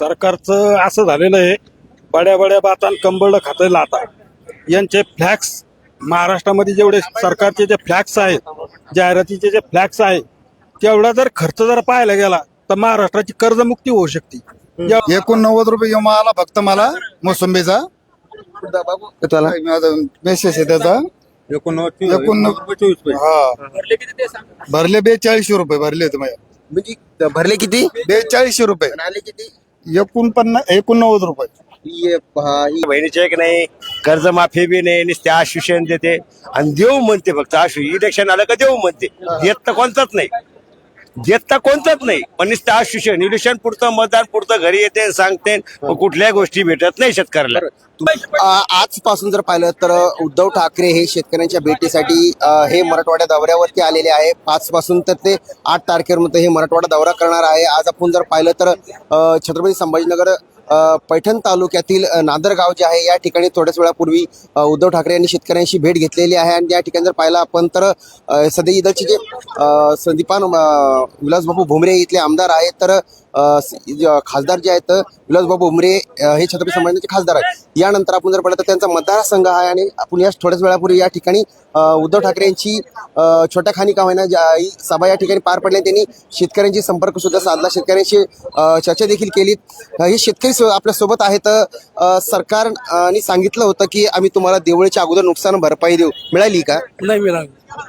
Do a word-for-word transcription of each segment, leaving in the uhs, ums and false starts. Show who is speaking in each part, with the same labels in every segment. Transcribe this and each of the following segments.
Speaker 1: सरकारचं असं झालेलं आहे, बड्या बड्या बातान कंबळ खातं लाता. यांचे फ्लॅक्स महाराष्ट्रामध्ये जेवढे सरकारचे जे फ्लॅक्स आहेत, जाहिरातीचे जे फ्लॅक्स आहे, तेवढा जर खर्च जर पाहायला गेला तर महाराष्ट्राची कर्जमुक्ती होऊ शकते. या-
Speaker 2: एकोणनव्वद रुपये विमा आला फक्त मला मोसंबीचा. मेसेज आहे त्याचा. एकोणनव्वद हा भरले बेचाळीसशे रुपये भरले होते माझ्या.
Speaker 3: म्हणजे भरले किती
Speaker 2: बेचाळीसशे रुपये
Speaker 3: पण आले किती
Speaker 2: एकोणपन्नास एकोणनव्वद रुपये.
Speaker 3: ये पहा, ही
Speaker 4: बहिणीचे एक नाही, कर्जमाफी बी नाही, नुसते आश्वासन देते आणि देऊ म्हणते. फक्त आशु इलेक्शन आलं का देऊ म्हणते. देत तर कोणताच नाही, देत तर कोणताच नाही, पण नुसतं आश्वासन. इलेक्शन पुरतं, मतदान पुरतं घरी येते, सांगते, पण कुठल्याही गोष्टी भेटत नाही शेतकऱ्याला.
Speaker 3: आ- आजपासून जर पाहिलं तर उद्धव ठाकरे हे शेतकऱ्यांच्या भेटीसाठी अ, हे मराठवाड्या दौऱ्यावरती आलेले आहे. पाच पासून तर ते आठ तारखेपर्यंत हे मराठवाडा दौरा करणार आहे. आज आपण जर पाहिलं तर अ, छत्रपती संभाजीनगर अ, पैठण तालुक्यातील अ, नांदरगाव जे आहे या ठिकाणी थोड्याच वेळापूर्वी अ, उद्धव ठाकरे यांनी शेतकऱ्यांशी भेट घेतलेली आहे. आणि या ठिकाणी जर पाहिलं आपण तर अ, सध्या इथलचे जे अ, संदीपान अ, विलासबाबू भुमरे इथले आमदार आहेत, तर अ, स- ज- खासदार जे आहेत विलासबाबू भुमरे अ, हे छत्रपती संभाजीनगरचे खासदार आहेत. यानंतर आपण जर पाहिलं तर त्यांचा मतदारसंघ आहे. आणि आपण या थोड्याच वेळापूर्वी या ठिकाणी अ, उद्धव ठाकरे यांची अ, छोट्या खानी का होईना ज्या- ही सभा या ठिकाणी पार पडली. त्यांनी शेतकऱ्यांशी संपर्क सुद्धा साधला, शेतकऱ्यांशी अ, चर्चा देखील केली. अ, हे शेतकरी सो- आपल्या सोबत आहेत. अ, सरकारने सांगितलं होतं की आम्ही तुम्हाला दिवाळीच्या अगोदर नुकसान भरपाई देऊ, मिळाली का?
Speaker 5: नाही मिळाली.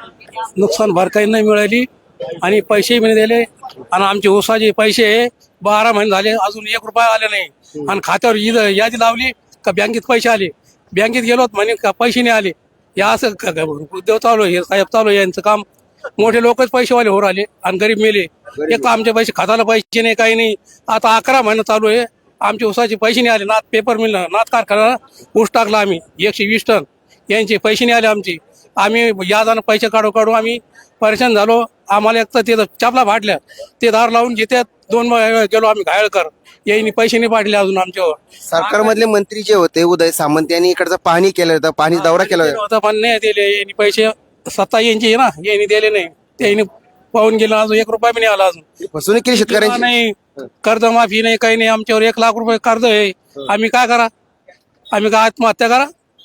Speaker 5: नुकसान भरपाई नाही मिळाली आणि पैसेही नाही दिले. आणि आमचे ऊसाचे पैसे बारा महिने झाले अजून एक रुपया आले नाही. आणि खात्यावर ईद- यादी लावली का बँकेत पैसे आले, बँकेत गेलो म्हणे का पैसे नाही आले. या असं क- क- उद्योग चालू आहे, हे साहेब चालू आहे यांचं काम. मोठे लोकच पैसेवाले हो राहिले आणि गरीब मेले. एक तर आमचे पैसे खात्याला पैसे नाही, काही नाही. आता अकरा महिने चालू आहे, आमचे ऊसाचे पैसे नाही आले. नाथ पेपर मिल नाथ कारखाना ऊस टाकला आम्ही एकशे वीस टन, यांचे पैसे नाही आले आमचे. आम्ही यादानं पैसे काढू काढू आम्ही परेशान झालो. आम्हाला एक तर ते चापला फाटल्या, ते दार लावून घेतात. दोन महिने गेलो आम्ही घायळकर, यांनी पैसे नाही पाडले अजून आमच्यावर.
Speaker 3: सरकारमधले मंत्री जे होते उदय सामंत यांनी इकडचं पाहणी केलं होतं, पाहणी दौरा केला होता.
Speaker 5: होतं पण नाही दिले यांनी पैसे. सत्ता यांची आहे ना, यांनी दिले नाही. त्यांनी पाहून गेलं, अजून एक रुपया बी नाही आला अजून.
Speaker 3: फसवणूक केली शेतकऱ्यांची.
Speaker 5: नाही, कर्जमाफी नाही, काही नाही. आमच्यावर एक लाख रुपये कर्ज आहे. आम्ही काय करा, आम्ही काय आत्महत्या करा?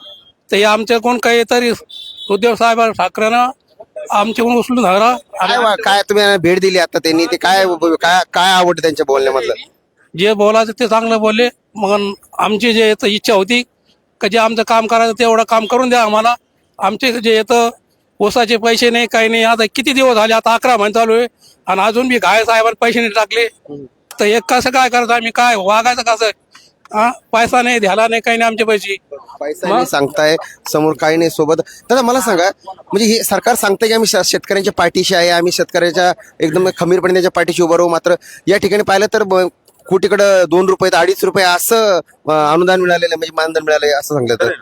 Speaker 5: तर हे आमच्या कोण काही तरी उद्धव साहेब ठाकरेनं आमच्याकडून उचलून धरा.
Speaker 3: काय वा- काय तुम्ही भेट दिली आता त्यांनी, ते काय काय काय आवडतं त्यांच्या बोलण्यामधलं?
Speaker 5: जे बोलायचं ते चांगलं बोलले. मग आमची जे येतं इच्छा होती का जे आमचं काम करायचं तेवढं काम करून द्या आम्हाला. आमचे जे येतं ऊसाचे पैसे नाही, काही नाही. आता किती दिवस झाले, आता अकरा महिने चालू आहे आणि अजून बी घाय साहेबांनी पैसे नाही टाकले. तर एक कसं काय करायचं, आम्ही काय वागायचं कसं? हा, पैसा नाही, ध्याला नाही, काही नाही आमचे पैसे.
Speaker 3: पैसा नाही सांगताय, समोर काही नाही सोबत. दादा मला सांगा, म्हणजे हे सरकार सांगतंय की आम्ही श- शेतकऱ्यांच्या पाठीशी आहे, आम्ही शेतकऱ्याच्या एकदम खंबीरपणे त्याच्या पाठीशी उभं राहू. मात्र या ठिकाणी पाहिलं तर ब- कुठीकडं दोन रुपये तर अडीच रुपये असं अं, अनुदान मिळालेलं आहे, म्हणजे मानधन मिळालंय असं सांगलं तर.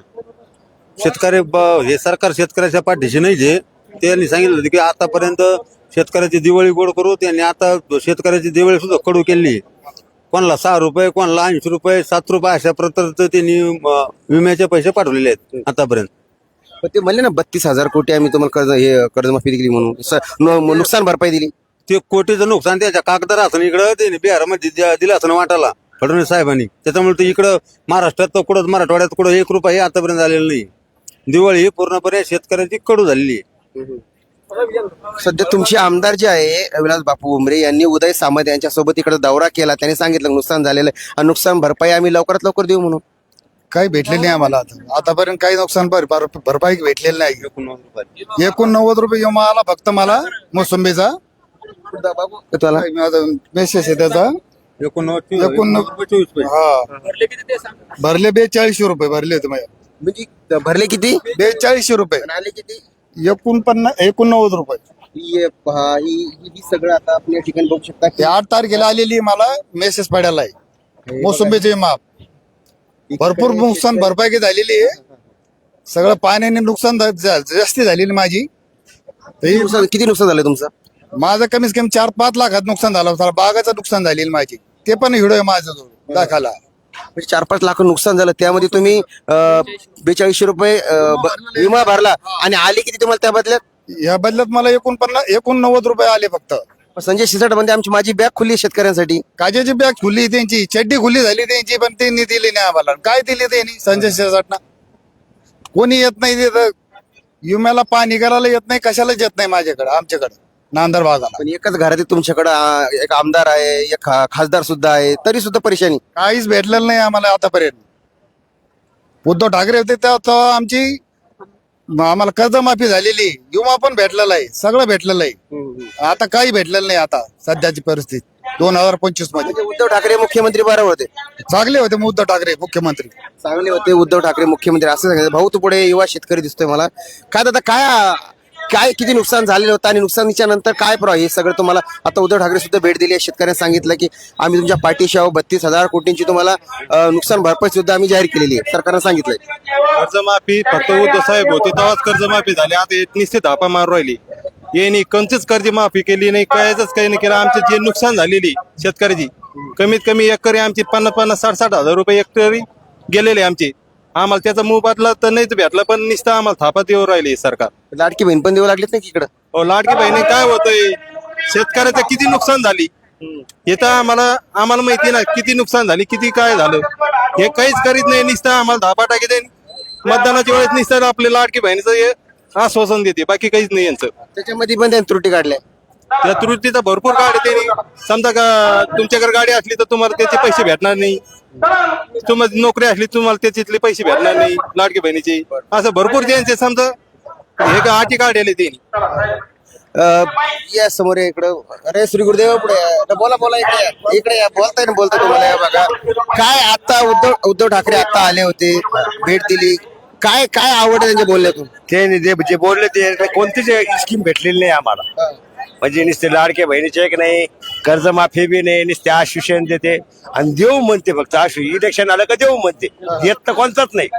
Speaker 6: शेतकरी ब- हे सरकार शेतकऱ्याच्या पाठीशी नाही. जे त्यांनी सांगितलं होतं की आतापर्यंत शेतकऱ्याची दिवाळी गोड करू, त्यांनी आता शेतकऱ्याची दिवाळी सुद्धा कडू केली. कोणाला सहा रुपये, कोणाला ऐंशी रुपये, सात रुपये अशा प्रकारचं त्यांनी अं, विम्याचे पैसे पाठवलेले आहेत आतापर्यंत.
Speaker 3: पण ते म्हणले ना बत्तीस हजार कोटी आम्ही तुम्हाला कर्ज हे कर्जमाफी दिली म्हणून, स- नु- नुकसान भरपाई दिली.
Speaker 6: ते कोटीचं नुकसान त्याच्या कागदार असं इकडं त्यांनी बिहारमध्ये द्या- दिलं असं वाटायला फडणवीस साहेबांनी. त्याच्यामुळे ते इकडं महाराष्ट्रात तर कुठं मराठवाड्यात कुठं एक रुपया हे आतापर्यंत आलेलं नाही. दिवाळी ही पूर्णपणे शेतकऱ्याची कडू झालेली आहे.
Speaker 3: सध्या तुमचे आमदार जे आहे विलास बापू उमरे यांनी उदय सामंत यांच्या सोबत इकडे दौरा केला. त्यांनी सांगितलं नुकसान झालेलं आहे आणि नुकसान भरपाई आम्ही लवकरात लवकर देऊ म्हणून.
Speaker 2: काही भेटले नाही आम्हाला आता. आतापर्यंत काही नुकसान भर- भर- भरपाई भेटलेली नाही. एकोणनव्वद रुपये विमा आला फक्त मला मोसंबीचा.
Speaker 3: त्याला
Speaker 2: मेसेज आहे त्याचा. एकोणनव्वद हा भरले बेचाळीसशे रुपये भरले होते माझ्या.
Speaker 3: म्हणजे भरले किती
Speaker 2: बेचाळीसशे रुपये
Speaker 3: पण आले किती?
Speaker 2: एकोणपन्नास एकोणनव्वद रुपये.
Speaker 3: ये पहा, ही ही ही सगळं आता आपण या ठिकाणी बघू शकता
Speaker 2: ते
Speaker 3: की
Speaker 2: आठ तारखेला आलेली आहे, मला मेसेज पडायला आहे. मोसंबीचे माप भरपूर नुकसान भरपाई काही झालेली आहे. सगळं पाण्याने नुकसान झा- झा- जास्ती झालेली माझी. तर ही-
Speaker 3: नुकसान किती नुकसान झालं तुमचं?
Speaker 2: माझं कमीत कमी चार पाच लाखात नुकसान झालं होतं. बागाचं नुकसान झालेली माझी, ते पण हिडो आहे माझं जवळ दाखला.
Speaker 3: म्हणजे चार पाच लाख नुकसान झालं, त्यामध्ये तुम्ही अं, बेचाळीसशे रुपये अं, ब- विमा भरला आणि आले किती तुम्हाला त्या बदल्यात?
Speaker 2: या बदल्यात मला एकोणपन्नास एकोणनव्वद रुपये आले फक्त.
Speaker 3: संजय शिरसाट म्हणते आमची माझी बॅग खुली आहे शेतकऱ्यांसाठी.
Speaker 2: काजेची बॅग खुली त्यांची, चड्डी खुली झाली त्यांची, पण त्यांनी दिली नाही आम्हाला. काय दिली त्यांनी संजय शिरसाटना? कोणी येत नाही तिथं, विम्याला पाणी करायला येत नाही, कशालाच येत नाही माझ्याकडे, आमच्याकडे नांदर भागाला.
Speaker 3: पण एकच घरात तुमच्याकडे एक आमदार आहे, एक खा- खासदार सुद्धा आहे, तरी सुद्धा परेशानी.
Speaker 2: काहीच भेटलेलं नाही आम्हाला आतापर्यंत. उद्धव ठाकरे होते तेव्हा तेव्हा आमची आम्हाला कर्जमाफी झालेली, विमा पण भेटलेला आहे, सगळं भेटलेलं आहे. आता काही भेटलेलं नाही. आता सध्याची परिस्थिती दोन हजार पंचवीस मध्ये
Speaker 3: म्हणजे उद्धव ठाकरे मुख्यमंत्री बरोबर होते,
Speaker 2: चांगले होते. उद्धव ठाकरे मुख्यमंत्री
Speaker 3: चांगले होते उद्धव ठाकरे मुख्यमंत्री असं सांगितलं. भाऊ तू पुढे युवा शेतकरी दिसतोय मला. काय दादा काय काय किती नुकसान झालेलं होतं आणि नुकसानीच्या नंतर काय प्र हे सगळं तुम्हाला आता उद्धव ठाकरे सुद्धा भेट दिली आहे. शेतकऱ्यांनी सांगितलं की आम्ही तुमच्या पाठीशी आहोत, बत्तीस हजार कोटींची तुम्हाला अं, नुकसान भरपाई सुद्धा आम्ही जाहीर केलेली आहे, सरकारनं सांगितलंय.
Speaker 1: कर्जमाफी फक्त उद्धव साहेब होते तेव्हाच कर्जमाफी झाली. आता निश्चित धापा मारू राहिली. यांनी कोणतीच कर्जमाफी केली नाही, कायच काही नाही केलं. आमचे जे नुकसान झालेली शेतकऱ्याची कमीत कमी एकरी आमची पन्नास पन्नास साठ साठ हजार रुपये एकरी गेलेले आमचे. आम्हाला त्याचा मोबदला तर नाहीच भेटला, पण नुसतं आम्हाला थापा देऊ राहिली सरकार.
Speaker 3: लाडकी बहीण पण देऊ लागलीत ना की इकडं.
Speaker 1: हो, लाडकी बहिणी काय होतंय, शेतकऱ्याचं किती नुकसान झाली हे तर आम्हाला आम्हाला माहिती ना, किती नुकसान झाली, किती काय झालं हे काहीच करीत नाही. नुसतं आम्हाला धापा टाकी दे, मतदानाच्या वेळेस नुसतं आपल्या लाडकी बहिणीचं हे आश्वासन देते, बाकी काहीच नाही यांचं.
Speaker 3: त्याच्यामध्ये पण त्यांनी त्रुटी काढल्या.
Speaker 1: त्या त्रुटीचा भरपूर गाडी त्यांनी समजा का तुमच्याकडे गाडी असली तर तुम्हाला त्याचे पैसे भेटणार नाही, तुम्हाला नोकरी असली तुम्हाला त्याच्यातले पैसे भेटणार नाही लाडकी बहिणीचे. असं भरपूर त्यांचे समजा हे का अटी काढले त्यांनी.
Speaker 3: अं, या समोर या इकडं. अरे श्री गुरुदेव पुढे या. बोला बोला इकडे या. इकडे या. बोलताय ना बोलताय तुम्हाला या बघा. काय आता उद्धव उद्धव ठाकरे आता आले होते, भेट दिली, काय काय आवड आहे त्यांच्या बोलण्यातून?
Speaker 4: ते जे जे बोलले ते कोणतीच स्कीम भेटलेली नाही आम्हाला. म्हणजे नुसते लाडके बहिणीचे एक नाही, कर्जमाफी बी नाही, नुसते आश्वासन देते आणि देऊ म्हणते फक्त. आशु इलेक्शन आलं का देऊ म्हणते, देत तर कोणताच नाही,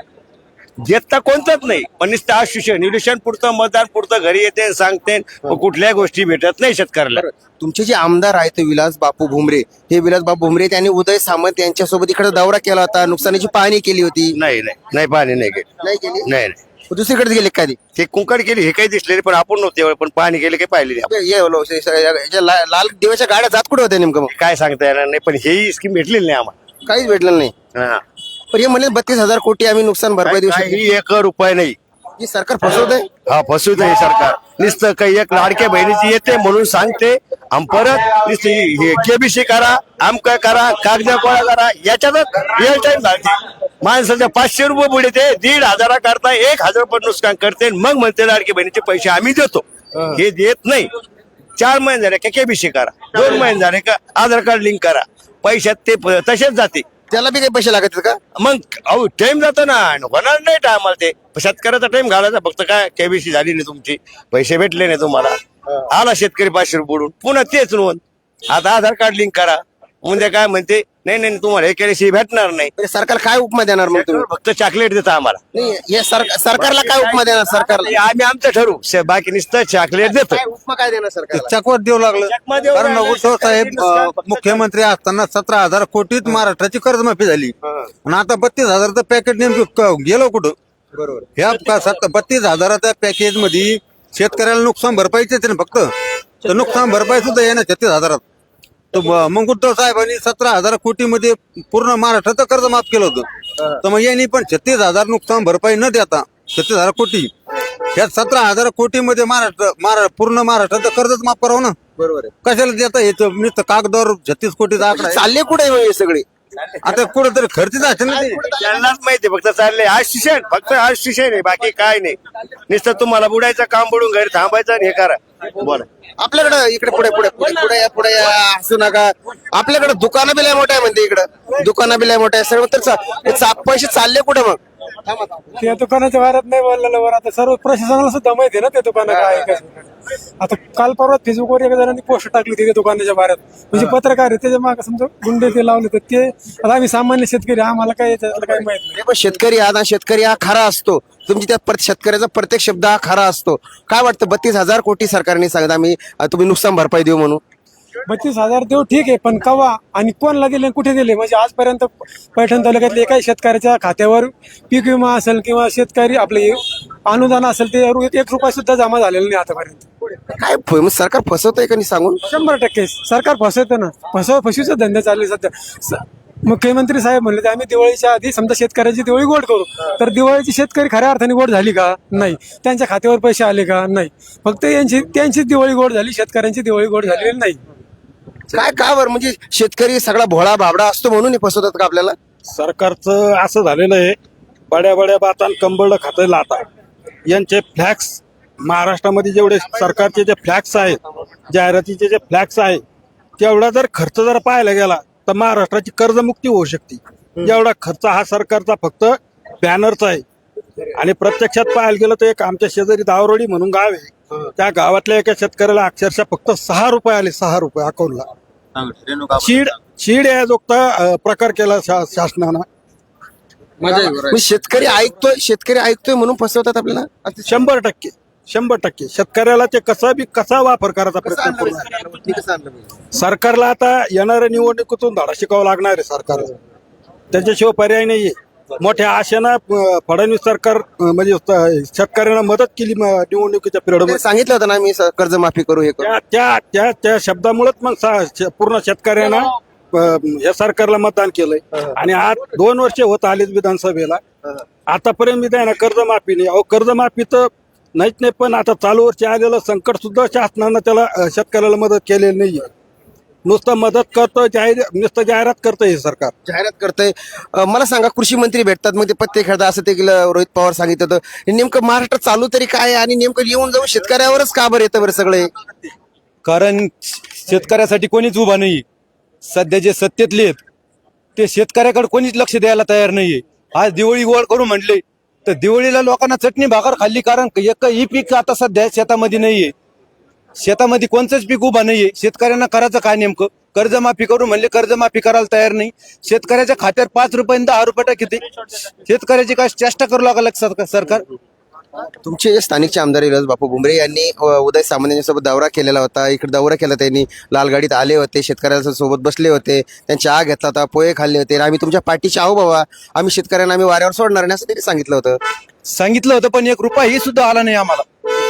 Speaker 4: देत तर कोणताच नाही, पण नुसतं आश्वासन. इलेक्शन पुरतं मतदान पुरतं घरी येते सांगते, पण कुठल्या गोष्टी भेटत नाही शेतकऱ्याला.
Speaker 3: तुमचे जे आमदार आहेत ते विलास बापू भुमरे, हे विलास बापू भुमरे त्यांनी उदय सामंत यांच्यासोबत इकडे दौरा केला होता, नुकसानीची पाहणी केली होती.
Speaker 4: नाही नाही नाही पाणी नाही गेली,
Speaker 3: नाही केली.
Speaker 4: नाही नाही
Speaker 3: दुसरीकडे गेले कधी
Speaker 4: ते कुंकड केली हे काही दिसलेले, पण आपण नव्हते, पण पाणी गेले काही पाहिले नाही.
Speaker 3: हे लो- हे- हे- याच्या ला- लाल दिव्याच्या गाड्या जात कुठे होत्या नेमकं? मग
Speaker 4: काय सांगता येणार नाही, पण ही स्कीम भेटलेली नाही आम्हाला.
Speaker 3: काहीच भेटलं नाही.
Speaker 4: हा.
Speaker 3: पण हे म्हणले बत्तीस हजार कोटी आम्ही नुकसान भरपाई देऊ शकतो.
Speaker 4: काही एक रुपये नाही.
Speaker 3: ही सरकार फसवत आहे.
Speaker 4: हा फसवत आहे सरकार. नुसतं काही एक लाडक्या बहिणीची येते म्हणून सांगते आणि परत नुसतं केबीसी करा, आमका करा, कागद गोळा करा, याच्यातच रिअल टाइम घालते. माणसाच्या पाचशे रुपये बुडे ते दीड हजारा करता एक हजार रुपये नुकसान करते, मग म्हणते लाडकी बहिणीचे पैसे आम्ही देतो. हे देत नाही. चार महिने झाले का केबीसी करा, दोन महिने झाले का आधार कार्ड लिंक करा, पैशात ते प- तसेच जाते.
Speaker 3: त्याला बी काही पैसे लागत आहेत का?
Speaker 4: मग अहो टाइम जातो ना, होणार नाही टायमाला ते. शेतकऱ्याचा टाइम घालायचा फक्त. काय केबीसी झाली नाही तुमची, पैसे भेटले नाही तुम्हाला, आला शेतकरी पाचशे रुपये बुडून, पुन्हा तेच नोंद. आता आधार कार्ड लिंक करा, म्हणजे काय म्हणते नाही नाही तुम्हाला हे केल्याशिवाय भेटणार नाही.
Speaker 3: म्हणजे सरकार काय उपमा देणार मग तुम्ही?
Speaker 4: फक्त चॉकलेट देता आम्हाला.
Speaker 3: नाही हे सरकार सरकारला काय उपमा देणार? सरकारला
Speaker 4: आम्ही आमचं ठरवू, शे- बाकी नुसतं चॉकलेट देतो.
Speaker 3: काय उपमा काय देणार सरकारला?
Speaker 6: चकवत देऊ लागलं.
Speaker 4: चकमा देऊ
Speaker 6: कारण
Speaker 4: लागलं.
Speaker 6: उद्धव साहेब अं, मुख्यमंत्री असताना सतरा हजार कोटीत महाराष्ट्राची कर्जमाफी झाली आणि आता बत्तीस हजारचं पॅकेज नेमकं क- गेलं कुठं?
Speaker 3: बरोबर.
Speaker 6: ह्या का- सत- बत्तीस हजाराच्या पॅकेज मध्ये शेतकऱ्याला नुकसान भरपाईचेच ना फक्त. तर नुकसान भरपाई सुद्धा येणार छत्तीस हजारात. तर म- मग उद्धव साहेबांनी सतरा हजार कोटी मध्ये पूर्ण महाराष्ट्राचं कर्ज माफ केलं होतं. तर मग यांनी पण छत्तीस हजार नुकसान भरपाई न देता छत्तीस हजार कोटी ह्या सतरा हजार कोटी मध्ये महाराष्ट्र महारा- पूर्ण महाराष्ट्राचं कर्जच माफ करावं ना.
Speaker 3: बरोबर आहे.
Speaker 6: कशाला देता येतं नुसतं कागदावर छत्तीस कोटीचा आकडा आहे.
Speaker 3: चालले कुठे हे सगळे?
Speaker 6: आता कुठेतरी खर्चच असेल ना ते.
Speaker 4: त्यांनाच माहिती फक्त चालले आशिषण, फक्त आशिषण आहे, बाकी काय नाही. नुसतं तुम्हाला बुडायचं काम बुडून घरी थांबायचं आणि हे करा. बोला.
Speaker 3: आपल्याकडे इकडे पुढे पुढे पुढे पुढे या पुढे या, हसू नका. आपल्याकडे दुकानं बी लय मोठं आहे म्हणते, इकडं दुकानं बी लय मोठं आहे सर्व. तर चा- हे चा- पैसे चालले कुठे मग? थांबा, थांबा.
Speaker 5: त्या दुकानाच्या बाहेर नाही बोललेलं बरं. आता सर्व प्रशासनाला सुद्धा माहिती आहे ना ते दुकानं काय आहे, कसं आहे. आता काल परवा फेसबुकवर एका जणांनी पोस्ट टाकली होती त्या दुकानाच्या बाहेर. म्हणजे पत्रकार आहे त्याच्या मागे समजा गुंडे ते लावले तर ते. आता आम्ही सामान्य शेतकरी, आम्हाला काय याच्यातलं काही माहित नाही.
Speaker 3: हे पण शेतकरी हा ना, शेतकरी हा खरा असतो. तुमची त्या प्रत- शेतकऱ्याचा प्रत्येक शब्द हा खरा असतो. काय वाटतं बत्तीस हजार कोटी सरकारने सांगत आम्ही अं, तुम्ही नुकसान भरपाई देऊ म्हणून?
Speaker 5: बत्तीस हजार देऊ ठीक आहे, पण कवा आणि कोणला दिले कुठे दिले? म्हणजे आजपर्यंत पैठण तालुक्यातल्या एकाही शेतकऱ्याच्या खात्यावर पीक विमा असेल किंवा शेतकरी आपले
Speaker 7: अनुदान असेल ते एक एक रुपया सुद्धा जमा झालेला नाही आतापर्यंत.
Speaker 3: काय फ- मग सरकार फसवतंय का नाही सांगून?
Speaker 7: शंभर टक्के सरकार फसवतं ना, फसव फसवीचा धंदे चालले सध्या. स- मुख्यमंत्री साहेब म्हणले तर आम्ही दिवाळीच्या आधी समजा शेतकऱ्याची दिवाळी गोड करू, तर दिवाळीची शेतकरी खऱ्या अर्थाने गोड झाली का? नाही. त्यांच्या खात्यावर पैसे आले का? नाही. फक्त यांची त्यांचीच दिवाळी गोड झाली, शेतकऱ्यांची दिवाळी गोड झालेली नाही.
Speaker 3: काय का बरं म्हणजे शेतकरी सगळा भोळा भाबडा असतो म्हणून हे फसवतात का आपल्याला?
Speaker 1: सरकारचं असं झालेलं आहे, बड्या बड्या बातान कंबळ खातं लाता. यांचे फ्लॅक्स महाराष्ट्रामध्ये जेवढे सरकारचे जे फ्लॅक्स आहेत, जाहिरातीचे जे फ्लॅक्स आहे, तेवढा जर खर्च जर पाहायला गेला तर महाराष्ट्राची कर्जमुक्ती होऊ शकते. एवढा खर्च हा सरकारचा फक्त बॅनरचा आहे. आणि प्रत्यक्षात पाहायला गेलं तर एक आमच्या शेजारी दावरोडी म्हणून गाव आहे, त्या गावातल्या एका शेतकऱ्याला अक्षरशः फक्त सहा रुपये आले, सहा रुपये अकाउंटला. चीड चीड याजोगता प्रकार केला शा- शासनानं.
Speaker 3: म्हणजे शेतकरी ऐकतोय शेतकरी ऐकतोय म्हणून फसवतात आपल्याला.
Speaker 1: शंभर टक्के शंभर टक्के शेतकऱ्याला ते कसा बी कसा वापर करायचा प्रयत्न करू नये. सरकारला आता येणाऱ्या निवडणुकीतून धडा शिकावा लागणार आहे सरकारला, त्याच्याशिवाय पर्याय नाहीये. मोठ्या आशेनं अं, फडणवीस सरकार अं, म्हणजे स- शेतकऱ्यांना मदत केली म- निवडणुकीच्या पिरियडमध्ये.
Speaker 3: सांगितलं होतं ना मी स- कर्जमाफी करू हे करू.
Speaker 1: त्या त्या त्या त्या शब्दामुळेच मग सा- श- पूर्ण शेतकऱ्यांना अं, या सरकारला मतदान केलंय. आणि आज दोन वर्ष होत आलेत विधानसभेला, आतापर्यंत मी त्यांना कर्जमाफी नाही. अहो कर्जमाफी तर नाहीच नाही, पण आता चालू वर्षी आलेलं संकट सुद्धा शासनानं त्याला अं, शेतकऱ्याला मदत केलेली नाहीये. नुसतं मदत करतोय, जाहीर नुसतं जाहिरात करतोय हे सरकार.
Speaker 3: जाहिरात करतंय. अं, मला सांगा, कृषी मंत्री भेटतात मग ते पत्ते खेळतात असं ते गेलं रोहित पवार सांगितलं होतं. हे नेमकं महाराष्ट्र चालू तरी काय आहे आणि नेमकं येऊन जाऊन शेतकऱ्यावरच का बरं येतं बरं सगळे?
Speaker 8: कारण शेतकऱ्यासाठी कोणीच उभा नाही. सध्या जे सत्तेतले आहेत ते शेतकऱ्याकडे कोणीच लक्ष द्यायला तयार नाहीये. आज दिवाळी गोळ करू म्हटले तर दिवाळीला लोकांना चटणी भाकर खाल्ली, कारण एक ही पीक आता सध्या शेतामध्ये नाहीये. शेतामध्ये कोणतंच पीक उभा नाहीये. शेतकऱ्यांना करायचं काय नेमकं? कर्जमाफी करू म्हणले, कर्जमाफी करायला तयार नाही. शेतकऱ्याच्या खात्यावर पाच रुपये दहा रुपये टाकते. शेतकऱ्याची काय चेष्टा करू लागला सरकार.
Speaker 3: तुमचे जे स्थानिकचे आमदार विलास बापू भुमरे यांनी अ, उदय सामंत यांच्यासोबत दौरा केलेला होता. इकडे दौरा केला त्यांनी, लालगाडीत आले होते, शेतकऱ्यांच्या सोबत बसले होते, त्यांची चहा घेतला होता, पोहे खाल्ले होते. आम्ही तुमच्या पाठीचे आहो बाबा, आम्ही शेतकऱ्यांना आम्ही वाऱ्यावर सोडणार नाही असं त्यांनी सांगितलं होतं.
Speaker 8: सांगितलं होतं, पण एक रुपया ही सुद्धा आला नाही आम्हाला.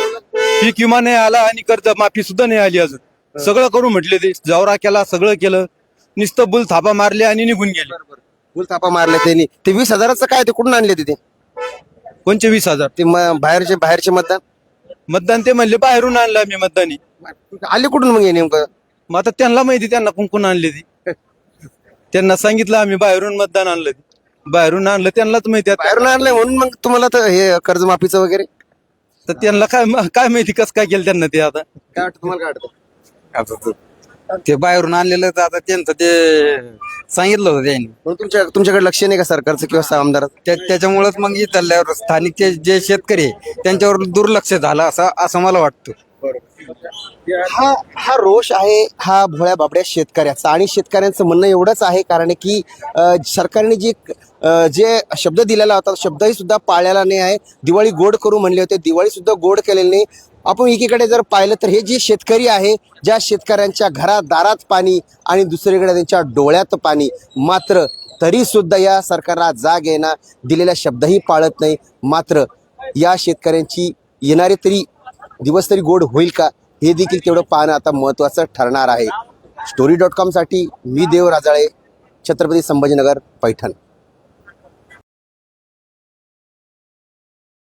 Speaker 8: पीक विमा नाही आला आणि कर्ज माफी सुद्धा नाही आली अजून. सगळं करू म्हटले, ते दौरा केला, सगळं केलं, नुसतं बुल थापा मारले आणि निघून गेले.
Speaker 3: फुल थापा मारले त्यांनी. ते वीस हजाराचं काय ते कुठून आणले तिथे?
Speaker 8: कोणचे वीस हजार
Speaker 3: ते म- बाहेरचे बाहेरचे मतदान
Speaker 8: मतदान? ते म्हणले बाहेरून आणलं आम्ही मतदानी.
Speaker 3: आले कुठून मग हे नेमकं?
Speaker 8: मग आता त्यांना माहिती, त्यांना कुंकून आणले ती. त्यांना सांगितलं आम्ही बाहेरून मतदान आणलं, बाहेरून आणलं, त्यांनाच माहिती. आता
Speaker 3: बाहेरून आणलंय म्हणून मग तुम्हाला तर हे कर्जमाफीचं वगैरे
Speaker 8: तर त्यांना काय काय माहिती कसं काय केलं त्यांना ते. आता
Speaker 3: काय वाटतं तुम्हाला? काय वाटतं?
Speaker 6: आता ते बाहेरून आणलेलं तर आता त्यांचं ते सांगितलं होतं त्यांनी,
Speaker 3: म्हणून तुमच्या तुमच्याकडे लक्ष नाही का सरकारचं किंवा आमदाराचं?
Speaker 6: त्या- त्याच्यामुळेच मग इथल्यावर स्थानिक जे- जे शेतकरी आहे, त्यांच्यावर दुर्लक्ष झालं असं असं मला वाटतं.
Speaker 3: हा हा रोष आहे हा भोळ्या बाबड्या शेतकऱ्याचा. आणि शेतकऱ्यांचं म्हणणं एवढंच आहे, कारण की अ, सरकारने जी अ, जे शब्द दिलेला होता, शब्दही सुद्धा पाळलेला नाही आहे. दिवाळी गोड करू म्हणले होते, दिवाळी सुद्धा गोड केलेली नाही. आपण एकीकडे जर पाहिलं तर हे जे शेतकरी आहे, ज्या शेतकऱ्यांच्या घरात दारात पाणी आणि दुसरीकडे त्यांच्या डोळ्यात पाणी, मात्र तरी सुद्धा या सरकारला जाग येणार, दिलेला शब्दही पाळत नाही. मात्र या शेतकऱ्यांची येणारे तरी दिवस तरी गोड होईल का, हे देखील तेवढं पाहणं आता महत्त्वाचं ठरणार आहे. स्टोरी डॉट कॉमसाठी मी देव राजाळे, छत्रपती संभाजीनगर, पैठण.